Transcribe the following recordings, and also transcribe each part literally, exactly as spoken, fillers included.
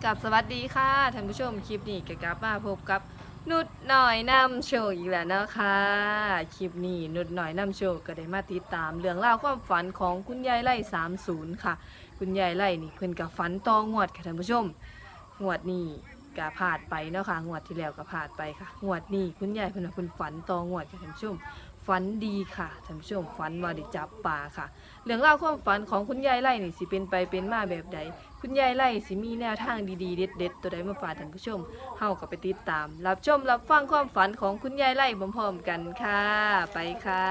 กับสวัสดีค่ะท่านผู้ชมคลิปนี้ก็กลับมาพบกับนุดหน่อยนำโชว์อีกแล้วนะคะคลิปนี้นุดหน่อยนำโชว์ก็ได้มาติดตามเรื่องราวความฝันของคุณยายไร่สามสิบค่ะคุณยายไร่นี่เพิ่นกับฝันตองวดค่ะท่านผู้ชมงวดนี้ก็ผ่านไปเนาะค่ะงวดที่แล้วก็ผ่านไปค่ะงวดนี้คุณยายเพิ่นว่าเพิ่นฝันตองวดค่ะท่านผู้ชมฝันดีค่ะท่านผู้ชมฝันว่าได้จับปลาค่ะเรื่องราวความฝันของคุณยายไร่นี่สิเป็นไปเป็นมาแบบใดคุณยายไร่สิมีแนวทางดีๆเด็ดๆตัวใดมาฝากท่านผู้ชมเฮาก็ไปติดตามรับชมรับฟังความฝันของคุณยายไร่พร้อมๆกันค่ะไปค่ะ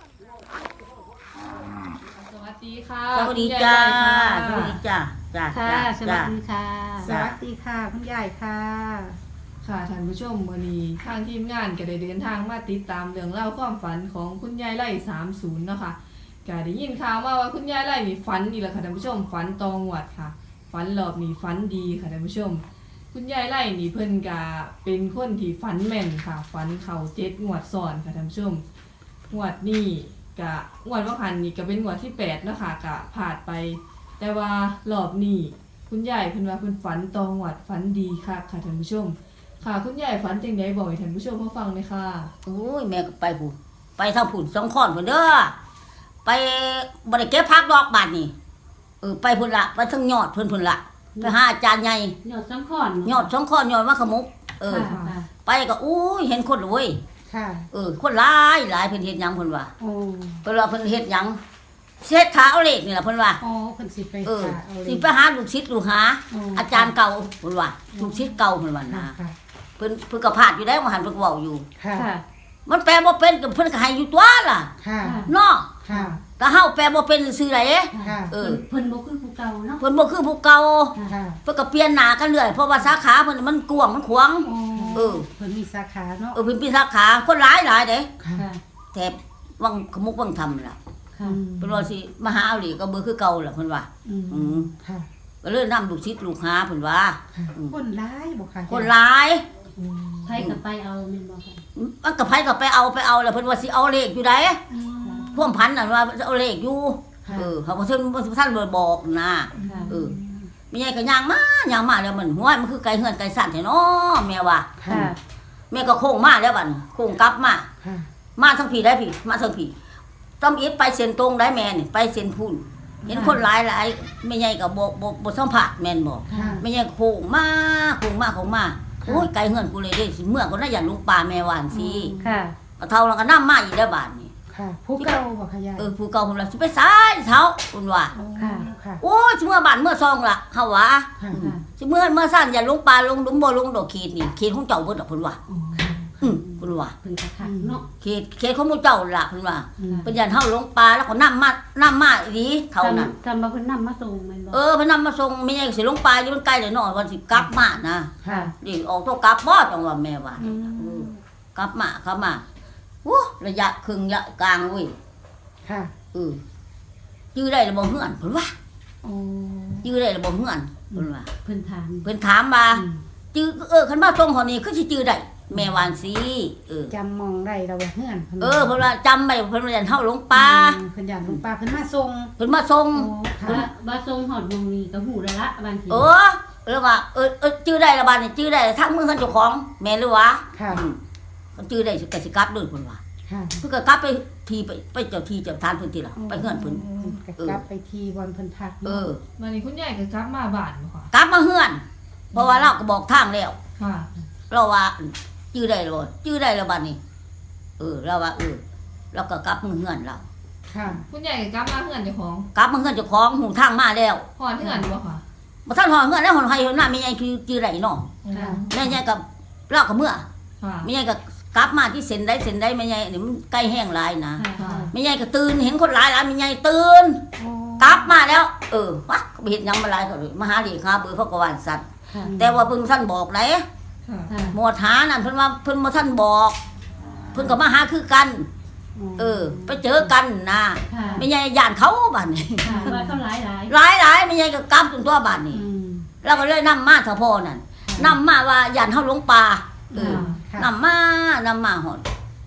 สวัสดีค่ะสวัสดีจ้าสคุณวัสยายไร่ดีจ้าจ้าค่ะจ้าสวัสดีค่ะจ้ะสวัสดีค่ะคุณยายค่ะค่ะท่านผู้ชมวันนี้ทางทีมงานก็ได้เดินทางมาติดตามเรื่องเล่าวความฝันของคุณยายไร่สามสิบเนาะค่ะก็ได้ยินข่าวมาว่าคุณยายไร่นี่ฝันนี่แหละค่ะท่านผู้ชมฝันตองหวัดค่ะฝันรอบนี้ฝันดีค่ะท่านผู้ชม คุณยายไร่นี่เพิ่นก็เป็นคนที่ฝันแม่นค่ะฝันเข่าเจ็ดงวดซ้อนค่ะท่านผู้ชมงวดนี้ก็งวดว่าหันนี่ก็เป็นงวดที่แปดเนาะค่ะก็ผ่านไป แต่ว่ารอบนี้คุณยายเพิ่นว่าเพิ่นฝันตองหวัดฝันดีค่ะค่ะท่านผู้ชม ค่ะคุณยายฝันจังไดบอกให้ท่านผู้ชมเขาฟังเลยค่ะโอ้ยแม่ก็ไปผุนไปทางผุนสองข้อนผุนเด้อไปบริเก็บพักดอกบาทนี่เออไปผุนละไปทั้งยอดเพิ่นผุนละไปหาอาจารย์ใหญ่ยอดสังขอนยอดสองข้อนยอดมะขมุกเออค่ะค่ะไปก็อุ้ยเห็นคนเลยเว้ยค่ะเออคนหลายหลายเพิ่นเฮ็ดหยังเพิ่นว่าโอ้เพิ่นว่าเพิ่นเฮ็ดหยังเช็ดขาเอาเลขนี่ล่ะเพิ่นว่าอ๋อเพิ่นสิไปเออค่ะเอาเลสิยไปหาลูกศิษย์ลูกหา อาจารย์เก่าเพิ่นว่าลูกศิษย์เก่าเพิ่นว่าค่ะนะค่ะเพิ่นเพิ่นก็พาดอยู่ได้ว่าหันเพิ่นก็เว้าอยู่ค่ะค่ะมันแปลบ่เป็นก็เพิ่นก็ให้อยู่ตัวล่ะค่ะเนาะค่ะแต่เฮาแปลบ่เป็นซื่อๆไดค่ะเออเพิ่นบ่คือผู้เก่าเนาะเพิ่นบ่คือผู้เก่าค่ะเพิ่นก็เปลี่ยนหน้ากันเรื่อยเพราะว่าสาขาเพิ่นมันกว้างมันขวางโอ้เออเพิ่นมีสาขาเนาะเออเพิ่นมีสาขาคนหลายหลายเด้ค่ะค่ะแถบวังขมุกวังธรรมล่ะค่ะเพิ่นว่าสิมาหาเอาหลีก็บ่คือเก่าล่ะเพิ่นว่าอืมอืมค่ะก็เลยนำลูกศิษย์ลูกหาเพิ่นว่าค่ะคนร้ายบ่ค่ะคนหลายอืมไผก็ไปเอาแม่นบ่ค่ะมันก็ไผก็ไปเอาไปเอาแล้วเพิ่นว่าสิเอาเลขอยู่ไดอืมพวกพันน่ะว่าเอาเลขอยู่ค่ะเออเขาบ่ทันบ่ทันบ่บอกนะค่ะเออ แม่ใหญ่ก็ย่างมาย่างมาแล้วมันห้วยมันคือไก่เฮือนไก่สั่นแท้เนาะแม่ว่าค่ะแม่ก็โค้งมาแล้วบัดนี้โค้งกลับมาค่ะมาทางพี่ได้พี่ มาทางพี่ต้องอีทไปเส้นตรงได้แม่นี่ไปเส้นพุ่นเห็นคนหลายหลายแม่ใหญ่ก็บ่บ่บ่สัมผัสแม่นบ่ค่ะแม่ใหญ่โค้งมาโค้งมาโค้งมาโอ้ยไก่เฮือนกูเลยเด้สิเมื่อก็น่าอยากลงป่าแม่ว่านสิค่ะก็เท่าแล้วก็นำมาอีกแล้วบาดนี้ค่ะผู้เก่าบ่ค่ะยายเออผู้เก่าเพิ่นว่าสิไปสายเท้าเพิ่นว่าโอ้ค่ะค่ะโอ้ยสิเมื่อบ้านเมื่อซองล่ะเฮาว่าค่ะค่ะสิเมื่อเมื่อสั้นอย่าลงปลาลงหลุมบ่ลงดอกขีดนี่ขีดของเจ้าเบิดดอกเพิ่นว่าค่ะอืมเพิ่นว่าเพิ่นก็คักเนาะขีดขีดของหมู่เจ้าล่ะเพิ่นว่าอืมเพิ่นยันเฮาลงปลาแล้วก็นำมานํมาอีหลีเท่านั้นจำว่าเพิ่นนำมาส่งแม่นบ่เออเพิ่นนำมาส่งแม่ใหญ่ก็สิลงปลาอยู่มันใกล้แล้วเนาะวันสิกลับมานะค่ะนี่ออกตัวกลับบ่จังว่าแม่ว่าอืมเออกลับมากลับมาโอ้ระยะครึ่งระยะกลางเว้ยค่ะเออจื้อได้แล้วบ่เฮือนเพิ่นว่าโอ้จื้อได้แล้วบ่เฮือนเพิ่นว่าเพิ่นถามเพิ่นถามว่าอืมจื้อเออคันมาส่งเฮานี่คือสิจื้อได้แม่วาจั่งสิเออจำมองได้เราว่าเฮือนพิ่นเออเพิ่นว่าจำไว้เพิ่นว่ายันเฮาหลงป่าอืมเพิ่นอยากลงปลาเพิ่นมาส่งเพิ่นมาส่งโอ้ค่ะว่าว่าส่งฮอดหม่องนี้ก็ฮู้แล้วละบางทีเออแล้วว่าเออเออจื้อได้ละบาดนี่จื้อได้ทั้งมือทั้งเจ้าของแม่นหรือวะค่ะอืมก็จื้อได้สิก็สิกลับเด้อเพิ่นว่าค่ะเพิ่นก็กลับไปทีไปไปเจ้าที่เจ้าทานเพิ่นติล่ะไปเฮือนเพิ่นก็กลับไปทีบอลเพิ่นพักเออวันนี้คุณยายก็กลับมาบ้านบ่ค่ะกลับมาเฮือน เพราะว่าเราก็บอกทางแล้วค่ะเราว่าจื้อได้แล้วบ่จื้อได้แล้วบาดนี้เออเราว่าเออเราก็กลับมาเฮือนเราค่ะคุณยายก็กลับมาเฮือนเจ้าของกลับมาเฮือนเจ้าของหูทางมาแล้วพอดเฮือนบ่ค่ะบ่ทันหอเฮือนแล้วหอนไห้หอนหน้าแม่ใหญ่คือจื้อได้เนาะค่ะแม่ใหญ่กับเราก็เมื่อค่ะแม่ใหญ่ก็กลับมาที่เส้นได้เส้นได้แม่ใหญ่นี่มันใกล้แห้งหลายนะค่ะค่ะแม่ใหญ่ก็ตื่นเห็นคนหลายหลายแม่ใหญ่ตื่นโอ้กลับมาแล้ว เออวะก็ไปเฮ็ดหยังมาหลายก็เลยมาหาเลขาเบอร์เขาก็ว่าสัตว์ค่ะแต่ว่าเพิ่นท่านบอกไหนค่ะค่ะหมวดหานั่นเพิ่นว่าเพิ่นบ่ท่านบอก เพิ่นก็มาหาคือกัน เออ ไปเจอกันนะค่ะแม่ใหญ่ย่านเขาบัดนี้ค่ะว่าเขาหลายหลายหลายหลายแม่ใหญ่ก็กลับจนตัวบัดนี้อืมเราก็เลยนำมาเถาพ่อนั่นนำมาว่าย่านเฮาหลงป่าเออค่ะนำมานำมาหอด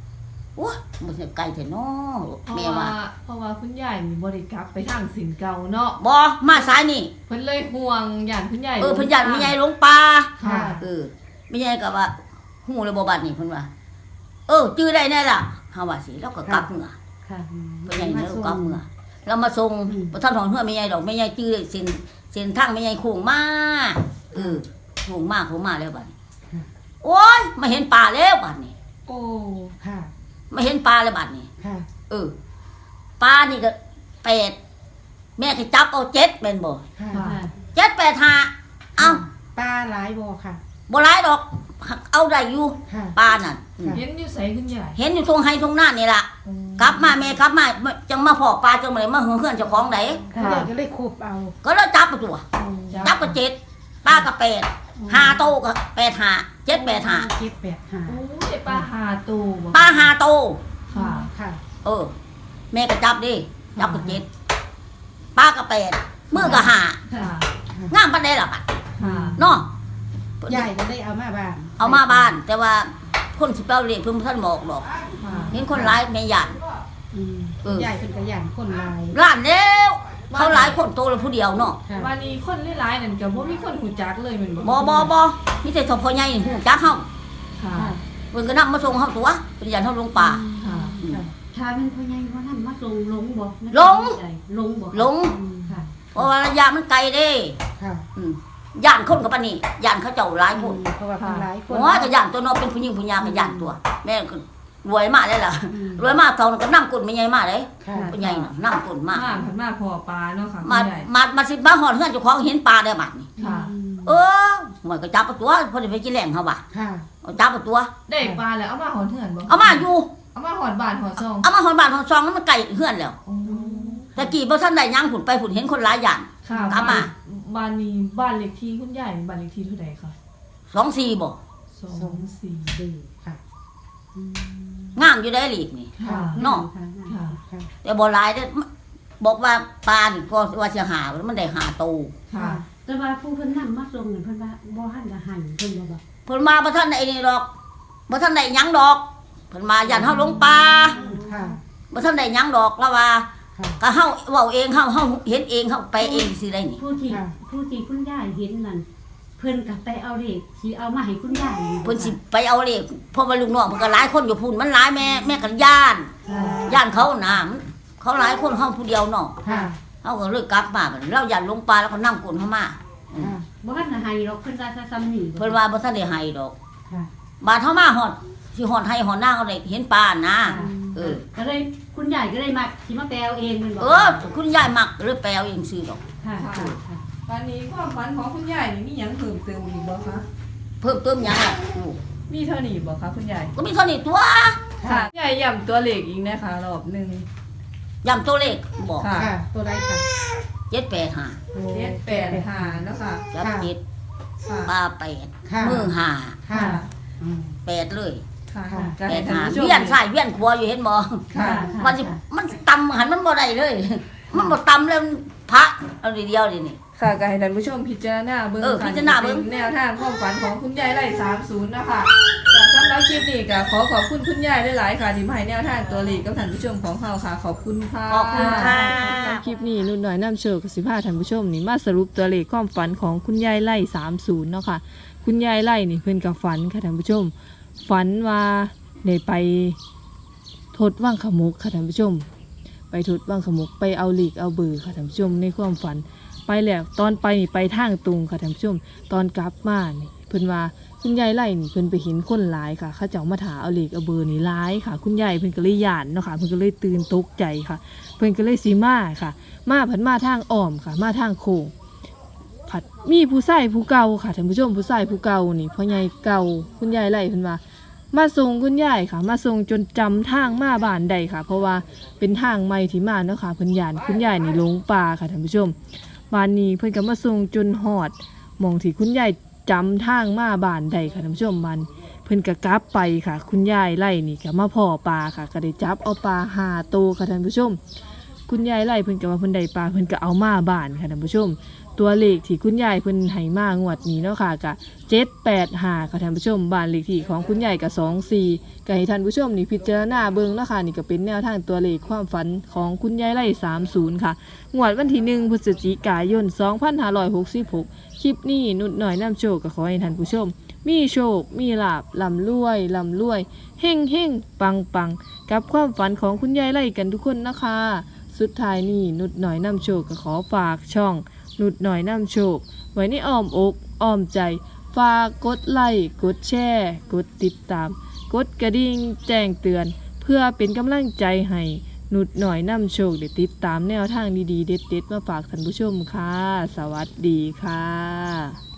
โอ้ยบ่ใช่ไกลแท้น้อเพราะแม่ว่าว่าเพราะว่าคุณยายนี่บ่ได้กลับไปทางสินเก่าเนาะบ่มาสายนี่เพิ่นเลยห่วงย่านคุณยายเออเพิ่นย่านแม่ใหญ่ลงป่าค่ะเออแม่ใหญ่ก็ว่าฮู้เลยบ่บัดนี้เพิ่นว่า เออจื้อได้แน่ล่ะเฮาว่าสิแล้วก็กลับเมื่อค่ะแม่ใหญ่แล้วก็กลับเมื่อเรามาส่งบ่ทันถอนเฮือแม่ใหญ่ดอกแม่ใหญ่จื้อได้เส้นเส้นทางแม่ใหญ่โค้งมาเออโค้งมาโค้งมาแล้วบัดนี้โอ้ยมาเห็นป่าแล้วบัดนี้โอ้ค่ะมาเห็นป่าแล้วบัดนี้ค่ะเออปลานี่ก็แปดแม่ก็จับเอาเจ็ดเป็นบ่ค่ะค่ะเจ็ดแปดห้าเอ้าปลาหลายบ่ค่ะบ่หลายดอกหักเอาได้อยู่ค่ะปลานั่นค่ะเห็นอยู่ไสคุณยายเห็นอยู่ตรงไห้ตรงหน้านี่ล่ะกลับมาแม่กลับมาจังมาพอปลาจังมาเลยมาเฮือนเจ้าของไดค่ะเดี๋ยวก็เลยคุบเอาก็แล้วจับไปตัว จับก็เจ็ดปลาก็แปดห้าโตก็แปดห้าเจ็ดแปดห้าเจ็ดแปดห้าโอ้ยปลาหาตัวบ่ปลาห้าโตค่ะค่ะเออ แม่ก็จับดิจับก็เจ็ดปลาก็แปดมือก็ห้าค่ะงามปานใดล่ะบัดค่ะเนาะยายก็ได้เอามาบ้านเอามาบ้าน แต่ว่าคนสิเป้าเรียกเพิ่นบ่ทันบอกดอกค่ะเห็นคนร้ายแม่ย่านอืมเออยายเป็นกระย่านคนหลายร้านแล้วเขาหลายคนโตแล้วผู้เดียวเนาะค่ะวันนี้คนหลายๆนั่นก็บ่มีคนหูจักเลยแม่นบ่บ่บ่บ่มีแต่ทพอใหญ่นี่ฮู้จักเฮาค่ะค่ะเพิ่นก็นำมาส่งเฮาตัวเพิ่นย่านเฮาลงป่าค่ะอืมค่ะถ้าเป็นพ่อใหญ่ว่านำมาส่งลงบ่ลงลงบ่ลงอืมค่ะเพราะว่าระยะมันไกลเด้ค่ะอืมย่านคนกับปานนี้ย่านเขาเจ้าหลายคนเพราะว่าคนหลายคนโอ้ยก็ย่านตัวเนาะเป็นผู้หญิงผู้หญิงก็ย่านตัว แม่ก็รวยมากเลยล่ะอืมรวยมากเท่านั้นก็นำกลแม่ใหญ่มาเลยค่ะผู้ใหญ่น่ะนำกลมามาเพิ่นมาพอปลาเนาะค่ะคุณมายายมามาสิมาฮอดเฮือนเจ้าของเห็นปลาได้บัดนี้ค่ะเออมันก็จับเอาตัวเพอได้ไปกินแหล่งเขาว่ะค่ะเอาจับเอาตัวได้ปลาแล้วเอามาหอนเถื่อนบ่เอามาอยู่เอามาหอนบ้านหอนซองเอามาหอนบ้านหอนซองแล้วมันไก่เฮือนแล้วโอ้ตะกี้บ่ทันได้ยังผุนไปผุนเห็นคนหลายอย่างค่ะกลับมาบ้านนี้บ้านเลขที่คุณยายบ้านเลขที่เท่าใดคะสองสี่บ่สองสี่ดีค่ะอืมงามอยู่ได้หลีกนี่ค่ะเนาะค่ะค่ะค่ะแต่บ่หลายเด้อบอกว่าปลานี่ก็ว่าสิหามันได้หาโตค่ะแต่ว่าผู้เพิ่นนำมาส่งนี่เพิ่นว่าบ่ทันจะให้เพิ่นบ่บอกเพิ่นมาบ่ทันได้นี่ดอกบ่ทันได้หยังดอกเพิ่นมายันเฮาลงป่าค่ะบ่ทันได้หยังดอกแล้วว่าค่ะก็เฮาเว้าเองเฮาเฮาเห็นเองเฮาไปเองสิได้นี่ผู้ที่ค่ะผู้ที่คุณยายเห็นนั่นเพิ่นก็ไปเอาเลขสิเอามาให้คุณยายเพิ่นสิไปเอาเลขเพราะว่าลูกน้องเพิ่นก็หลายคนอยู่พุ่นมันหลายแม่แม่ก็ย่านค่ะย่านเขาน่ะมันเขาหลายคนเฮาผู้เดียวเนาะค่ะเฮาก็เลยกลับมาบัดเราย่านลงป่าแล้วก็นำกลเฮามาค่ะบ่ทันจะให้หรอกเพิ่นว่าจะซ้ำนี่เพิ่นว่าบ่ทันได้ให้ดอกค่ะบาดเฮามาฮอดสิฮอดให้ฮอดหน้าเขาได้เห็นป่านะเออก็เลยคุณยายก็เลยมาสิมาแปลเอาเองแม่นบ่เออคุณยายมักหรือแปลเอาเองซื้อดอกค่ะค่ะค่ะวันนี้ความฝันของคุณยายนี่มีหยังเพิ่มเติมอีกบ่คะเพิ่มเติมหยังล่ะลูกมีเท่านี้บ่คะคุณยายก็มีเท่านี้ตัวค่ะคุณยายย้ำตัวเลขอีกนะคะรอบหนึงย้ำตัวเลขบอกค่ะค่ะ ตัวใดค่ะเจ็ดแปดห้าเจ็ดแปดห้าเนาะค่ะจับเจ็ดค่ะปลาแปดค่ะมือห้าค่ะอืมแปดเลยค่ะค่ะก็แปให้ดท่านห้าผู้ชมเวียนซ้ายเวียนขวาอยู่เห็นบ่ค่ะมันสิมันตำหันมันบ่ได้เลย มันบ่ตำเลยมันพระเอาทีเดียวดินี่ค่ะก็ให้ท่านผู้ชมพิจารณาเบิ่งเออค่ะพิจารณาเบิ่งป็นแนวทางความฝันของคุณยายไร่สามสิบนะคะก็สำหรับคลิปนี้ก็ขอขอบคุณคุณยายหลายๆค่ะที่มาให้แนวทางตัวเลขกับท่านผู้ชมของเราค่ะ ขอบคุณค่ะขอบคุณค่ะคลิปนี้นุ่นหน่อยน้ำเชิญกับสิบห้าท่านผู้ชมนี่มาสรุปตัวเลขความฝันของคุณยายไร่สามสิบเนาะค่ะคุณยายไร่นี่เพิ่นกับฝันค่ะท่านผู้ชม ฝันว่าได้ไปทดว่างขมุกค่ะท่านผู้ชม ไปทดว่างขมุกไปเอาหลีกเอาเบอร์ค่ะท่านผู้ชมในความฝันไปแล้วตอนไปนี่ไปทางตรงค่ะท่านผู้ชม ตอนกลับมานี่เพิ่นว่าคุณยายไล่นี่เพิ่นไปเห็นคนหลายค่ะเขาเจ้ามาถาเอาหลีกเอาเบอร์นี่หลายค่ะ คุณยายเพิ่นก็เลยย่านเนาะค่ะเพิ่นก็เลยตื่นตกใจค่ะ เพิ่นก็เลยสิมาค่ะ มาผันมาทางอ้อมค่ะ มาทางโค้งผัดมีผู้ชายผู้เก่าค่ะท่านผู้ชมผู้ชายผู้เก่านี่พ่อใหญ่เก่าคุณยายไล่เพิ่นว่า มาส่งคุณยายค่ะ มาส่งจนจำทางมาบ้านใดค่ะ เพราะว่าเป็นทางใหม่ที่มาเนาะค่ะเพิ่นย่านคุณยายนี่หลงป่าค่ะท่านผู้ชมบ้านนี้เพิ่นก็มาส่งจนฮอดหม่องที่คุณยายจำทางมาบ้านใดค่ะท่านผู้ชมมันเพิ่นก็กลับไปค่ะ คุณยายไล่นี่ก็มาพ่อปลาค่ะก็ได้จับเอาปลาห้าโตวค่ะท่านผู้ชม คุณยายไล่เพิ่นก็ว่าเพิ่นได้ปลาเพิ่นก็เอามาบ้านค่ะท่านผู้ชมตัวเลขที่คุณยายเพิ่นให้มางวดนี้เนาะค่ะก็เจ็ดแปดห้าค่ะท่านผู้ชมบ้านเลขที่ของคุณยายก็สองสี่ก็ให้ท่านผู้ชมนี่พิจารณาเบิ่งเนาะค่ะนี่ก็เป็นแนวทางตัวเลขความฝันของคุณยายไร่สามสิบค่ะงวดวันที่หนึ่งพฤศจิกายนสองพันห้าร้อยหกสิบหกคลิปนี้นุดหน่อยนำโชคก็ขอให้ท่านผู้ชมมีโชคมีลาภร่ำรวยร่ำรวยเฮ่งเฮ่งปังปังกับความฝันของคุณยายไร่กันทุกคนนะคะสุดท้ายนี้นุดหน่อยนำโชคก็ขอฝากช่องนุดหน่อยนำโชคไว้ในอ้อมอกอ้อมใจฝากกดไลค์กดแชร์กดติดตามกดกระดิ่งแจ้งเตือนเพื่อเป็นกำลังใจให้นุดหน่อยนำโชคได้ติดตามแนวทางดีๆเด็ดๆมาฝากท่านผู้ชมค่ะสวัสดีค่ะ